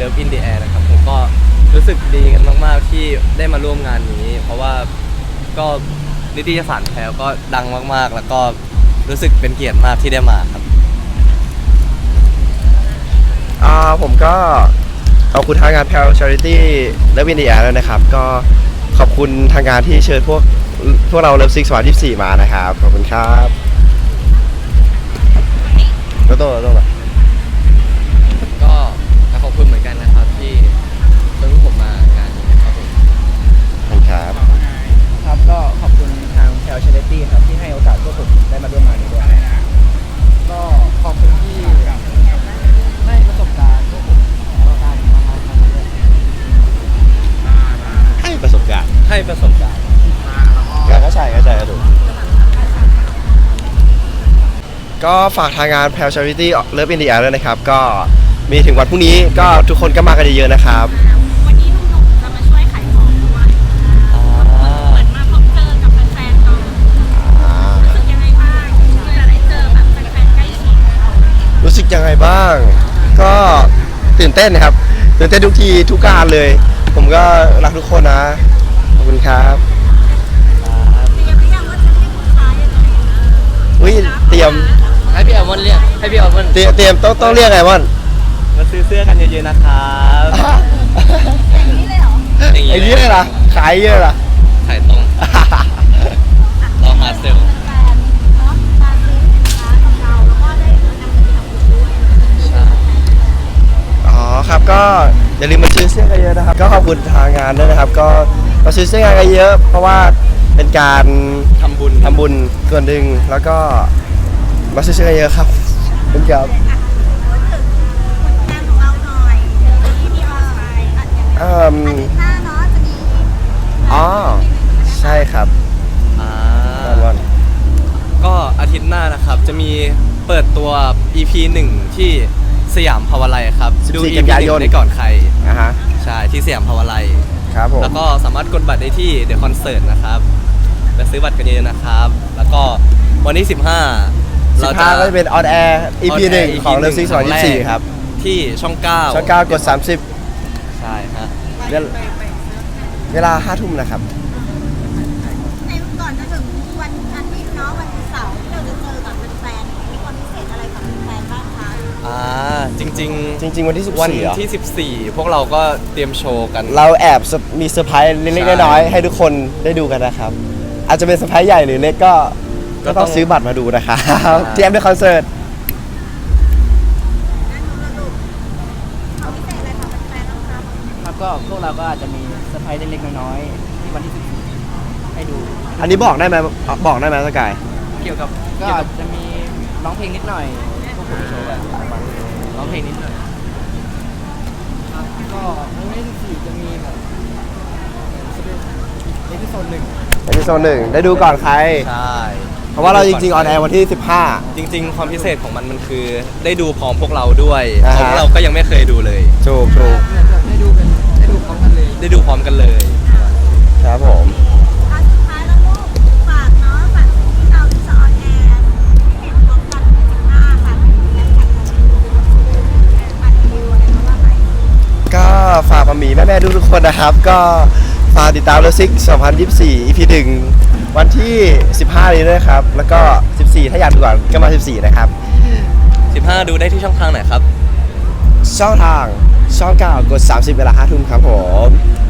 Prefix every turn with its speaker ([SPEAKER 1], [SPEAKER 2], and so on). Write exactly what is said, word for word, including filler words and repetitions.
[SPEAKER 1] Love in the Air นะครับผมก็รู้สึกดีกันมากๆที่ได้มาร่วมงานนี้ เพราะว่าก็นิตยสารแพลวก็ดังมากๆแล้วก็รู้สึกเป็นเกียรติมากที่ได้มาครับ
[SPEAKER 2] อ่าผมก็ขอบคุณทางงานแพลว Charity Love in the Air แล้วนะครับก็ขอบคุณทางงานที่เชิญพวกพวกเราเลิฟซิกสองพันยี่สิบสี่มานะครับขอบคุณครับโตโต้โตโต้
[SPEAKER 1] ก็ขอบคุณเหมือนกันนะครับที่เชิญพวกผมมางานนี้นะครับผม
[SPEAKER 2] ขอบคุณครับ
[SPEAKER 3] ครับก็ขอบคุณทางแพลว Charity ครับที่ให้โอกาสพวกผมได้มาร่วมงานนี้ด้วยก็ขอบคุณที่ให้ประสบการณ์พวกผมประการมาทำมาด้วย
[SPEAKER 2] ให้ประสบการณ์
[SPEAKER 1] ให้ประสบการณ์
[SPEAKER 2] ก็ใช่ก็ใช่ก็ถูกก็ฝากทางงานแพลว Charity Love in the Air ด้วยนะครับก็มีถึงวันพรุ่งนี้ก็ทุกคนก็มากันเยอะๆนะครับ
[SPEAKER 4] วันนี้ลุงหนุ่มจะมาช่วยขายของด้วยเหมือนมาพบเจอกับแฟนๆเนาะรู้สึกยังไงบ้างจะได้เจอแบบแฟนๆใกล้ชิด
[SPEAKER 2] รู้สึกยังไงบ้างก็ตื่นเต้นนะครับตื่นเต้นทุกทีทุกการเลยผมก็รักทุกคนนะขอบคุณครับ
[SPEAKER 4] เตรียมหรือยังว่าจะให้คุณชายยังไง
[SPEAKER 2] อุ้ยเตรียม
[SPEAKER 1] ให้พี่แอมอนเรียกให้พี่แอมอน
[SPEAKER 2] เตรียมเตรียมต้องต้องเรียกไงม่อน
[SPEAKER 1] มาซื้อเสื้อกันเยอะๆนะครับ
[SPEAKER 4] อย่างนี้เลยเหรอ
[SPEAKER 2] ไอ้นี้เลยล่ะขายเยอะล่ะ
[SPEAKER 1] ขายตรงรอฮาร์ดเซล
[SPEAKER 4] แฟนเนาะมาซื้อสินค้ากับเราแล้วก็ได้นำไปทำบุญด้วย
[SPEAKER 2] อ๋อครับก็อย่าลืมมาซื้อเสื้อกันเยอะนะครับก็ขอบคุณทางงานด้วยนะครับก็มาซื้อเสื้อกันเยอะเพราะว่าเป็นการ
[SPEAKER 1] ทำบุญ
[SPEAKER 2] ทำบุญส่วนหนึ่งแล้วก็มาซื้อเสื้อกันเยอะครับเป็นครับอืมอ๋อใช่ครับ
[SPEAKER 1] อ่าก็อาทิตย์หน้านะครับจะมีเปิดตัว อี พี หนึ่งที่สยามภาวไลครับดู อี พี หนึ่งได้ก่อนใคร
[SPEAKER 2] อ่าฮะ
[SPEAKER 1] ใช่ที่สยามภาวไล
[SPEAKER 2] ครับผม
[SPEAKER 1] แล้วก็สามารถกดบัตรได้ที่เดอะคอนเสิร์ตนะครับไปซื้อบัตรกันเยอะนะครับแล้วก็วันที่สิบห้า
[SPEAKER 2] เราจะก็จะเป็นออนแอร์ อี พี หนึ่งของเลิฟซิกสองพันยี่สิบสี่ครับ
[SPEAKER 1] ที่ช่องเก้า
[SPEAKER 2] ช่องเก้ากดสามสิบ
[SPEAKER 1] ใช่ฮะ
[SPEAKER 2] เวลาห้าทุ่มนะครับ
[SPEAKER 4] ในก่อนจะถึงวันอาทิตย์เนาะวันเสาร์ที่เราจะเจอกับแฟนๆมีความพิเศษอะไรกับแฟนบ้างคะ
[SPEAKER 1] อ่าจริงๆ
[SPEAKER 2] จริงๆวันที่สิบสี่
[SPEAKER 1] วันที่สิบสี่พวกเราก็เตรียมโชว์กัน
[SPEAKER 2] เราแอบมีเซอร์ไพรส์เล็กๆน้อยๆให้ทุกคนได้ดูกันนะครับอาจจะเป็นเซอร์ไพรส์ใหญ่หรือเล็กก็ก็ต้องซื้อบัตรมาดูนะครับเตรียมด้วยคอนเสิร์ต
[SPEAKER 3] ครับก็พวกเราก็อาจจะมีเซอร์ไพรส์เล็กๆน้อยๆที่วันที่สิบสี่ให้ดู
[SPEAKER 2] อันนี้บอกได้ไหมบอกได้ไหมสกาย
[SPEAKER 3] เกี่ยวกับก็จะมีร้องเพลงนิดหน่อยพวกผมโชว์แบบร้องเพลงนิดหน่อยครับก็วันที่สิบสี่จะมีแบบเอพิโซดหนึ่ง
[SPEAKER 2] เอพิโซดหนึ่งได้ดูก่อนใคร
[SPEAKER 1] ใช่
[SPEAKER 2] เพราะว่าเราจริงๆออนแอร์วันที่สิบห้า
[SPEAKER 1] จริงๆความพิเศษของมันมันคือได้ดูพร้อมพวกเราด้วยเพราะเราก็ยังไม่เคยดูเลย
[SPEAKER 2] ถูกถูก
[SPEAKER 3] ได้ดูกันได้ดูพร้อมกันเลย
[SPEAKER 1] ได้ดูพร้อมกันเลย
[SPEAKER 2] ครับผม
[SPEAKER 4] สุดท้ายแล้วลูกฝากเนาะฝากที่เราที่จะออนแอร์เห็นพร้อมกันสิบห้าค่ะแล้วแข่งกันอัดวิวอะไรก็ว่าไป
[SPEAKER 2] ก็ฝากมามีแม่ๆทุกๆคนนะครับก็ฝากติดตามเลิฟซิกสองพันยี่สิบสี่ อี พี หนึ่งวันที่สิบห้านี้ด้วยครับแล้วก็สิบสี่ถ้าอยากดูก่อนก็มาสิบสี่นะครับ
[SPEAKER 1] สิบห้าดูได้ที่ช่องทางไหนครับ
[SPEAKER 2] ช่องทางช่องเก้ากดสามสิบเวลาห้าทุ่มครับผม